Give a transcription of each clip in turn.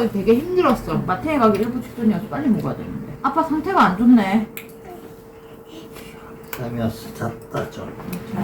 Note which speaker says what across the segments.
Speaker 1: 가기 되게 힘들었어.
Speaker 2: 마트에 가기 일부 직전이어서 빨리 먹어야 되는데. 아빠 상태가 안 좋네.
Speaker 3: 살면서 잤다 좀.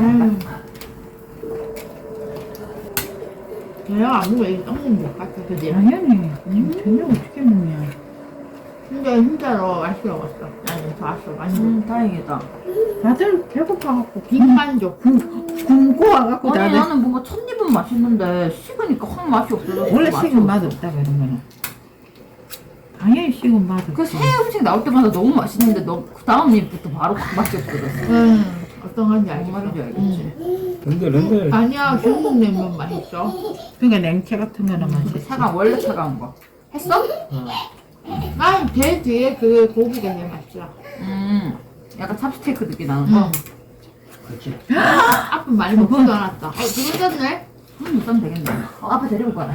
Speaker 1: 내가 안 먹으면 떡국 못 같아, 그지?
Speaker 4: 당연히 저녁 어떻게 먹냐.
Speaker 1: 근데 진짜로 맛있게 먹었어. 나는 좋았어, 많이.
Speaker 2: 다행이다.
Speaker 4: 다들 배고파갖고
Speaker 1: 빈만족.
Speaker 4: 굶고 와갖고
Speaker 2: 아니
Speaker 4: 다들
Speaker 2: 나는 뭔가 첫 입은 맛있는데 식으니까 확 맛이 없어졌어.
Speaker 4: 원래
Speaker 2: 맛이
Speaker 4: 식은
Speaker 2: 없어.
Speaker 4: 맛없다 그런 거는 당연히 식은 맛없지.
Speaker 2: 그 새 음식 나올 때마다 너무 맛있는데 너 그 다음 입부터 바로 확 맛이 없어졌어.
Speaker 1: 어떤 건지
Speaker 2: 뭔
Speaker 1: 알겠어.
Speaker 2: 말인지 알겠지.
Speaker 5: 른들
Speaker 1: 아니야, 중국 냉면 맛있어.
Speaker 4: 그러니까 냉채 같은 거는 맛있지.
Speaker 2: 차가운 원래 차가운 거. 했어?
Speaker 1: 난 제일 뒤에 그 고기가 제일 맛있어.
Speaker 2: 약간 찹스테이크 느낌 나는 거.
Speaker 3: 그렇지.
Speaker 1: 앞은 많이 먹지도 않았다. 두분 잤네?
Speaker 2: 못 사면 되겠네. 아빠 데리고 가라.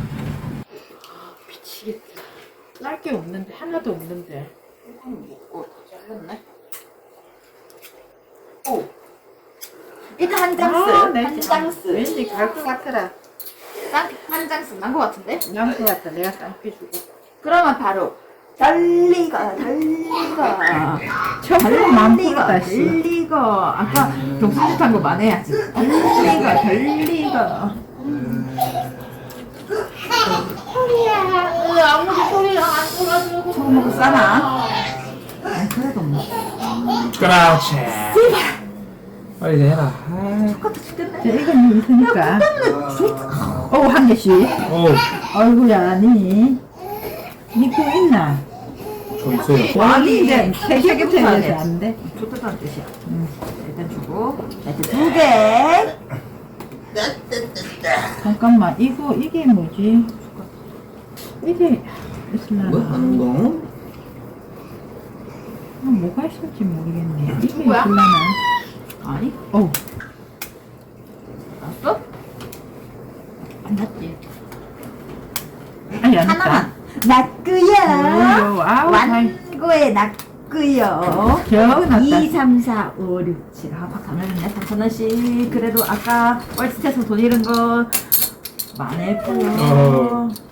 Speaker 4: 미치겠다. 쌀 게 없는데 하나도 없는데.
Speaker 2: 이거는 먹고 다 잘렸네. 오. 일단 한 장스. 한 장스.
Speaker 4: 왠지 갈 것 같더라.
Speaker 2: 한 장스 난 거 같은데?
Speaker 4: 양수 같다. 내가 쌍피 주고.
Speaker 2: 그러면 바로 달리가.
Speaker 4: 처음 마음 풀었다 씨.
Speaker 2: 달리가. 아까 경수짓한 거 만회해야지. 달리가.
Speaker 1: 아무리 소리랑 안 들어주고.
Speaker 2: 처음 먹고 싸나? 아니 그래도 뭐.
Speaker 5: 그렇지. 빨리 이제 해라.
Speaker 2: 똑같아 죽겠네.
Speaker 4: 자, 이건 있으니까. 한 개씩.
Speaker 5: 오,
Speaker 4: 아이고야, 니 거 있나?
Speaker 5: 저 있어요.
Speaker 4: 아니, 이제 세
Speaker 2: 세
Speaker 4: 개부터
Speaker 2: 개부터
Speaker 4: 해서
Speaker 2: 해.
Speaker 4: 안 돼.
Speaker 2: 좋다는 뜻이야. 일단 주고. 일단 2개.
Speaker 4: 잠깐만, 이게 뭐지? 이게 있으려나?
Speaker 3: 뭐 하는 거?
Speaker 4: 뭐가 있을지 모르겠네. 이게
Speaker 1: 뭐야?
Speaker 4: 있으려나?
Speaker 2: 아니? 났어? 안 났지.
Speaker 4: 아니, 안 했다.
Speaker 2: 하나만. 났구요.
Speaker 4: 아우, 잘.
Speaker 2: 완고에 났구요.
Speaker 4: 겨우 났다.
Speaker 2: 2, 3, 4, 5, 6, 7. 팍 가면은요 3,000원씩. 그래도 아까 월스트에서 돈 잃은 거 많았고요.